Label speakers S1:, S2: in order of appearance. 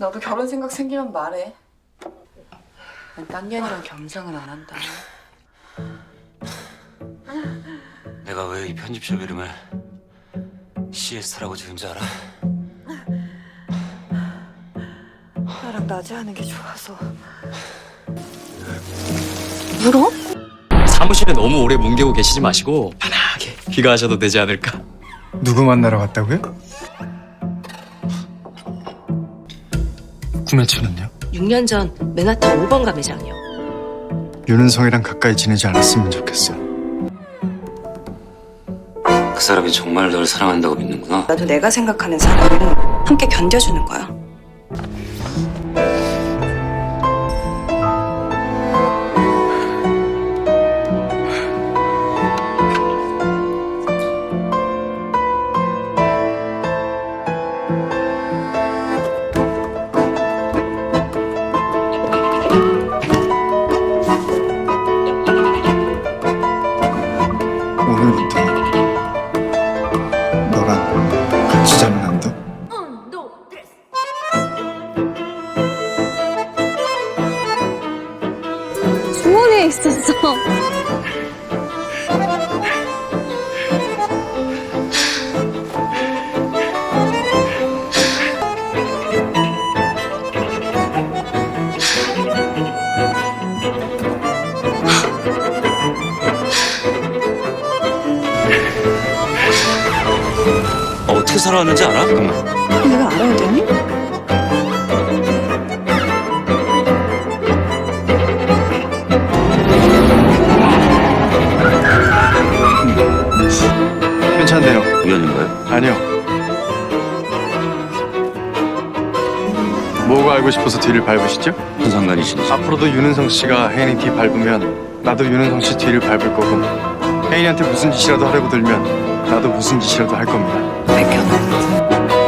S1: 너도 결혼 생각 생기면 말해. 난 딴 년이랑 겸상은 안 한다.
S2: 내가 왜 이 편집샵 이름을 CS라고 지은지 알아?
S1: 나랑 낮에 하는 게 좋아서. 울어?
S3: 사무실에 너무 오래 뭉개고 계시지 마시고 편하게 귀가하셔도 되지 않을까?
S4: 누구 만나러 갔다고요? 구매처는요?
S5: 6년 전 맨하탄 5번가 매장이요.
S4: 윤은성이랑 가까이 지내지 않았으면 좋겠어.
S2: 그 사람이 정말 널 사랑한다고 믿는구나.
S1: 나도 내가 생각하는 사람은 함께 견뎌주는 거야.
S4: 오늘부터 너랑 같이 자면 안 돼?
S6: 주머니에 있었어.
S2: 어떻게 살아왔는지 알아?
S1: 내가 알아야 되니?
S4: 괜찮네요.
S2: 우연인가요?
S4: 아니요. 뭐가 알고 싶어서 뒤를 밟으시죠?
S2: 무슨 상관이신지.
S4: 앞으로도 윤은성 씨가 혜인이 뒤 밟으면 나도 윤은성 씨 뒤를 밟을 거고, 혜인이한테 무슨 짓이라도 하려고 들면 나도 무슨 짓이라도 할 겁니다.
S1: 밝혀놔.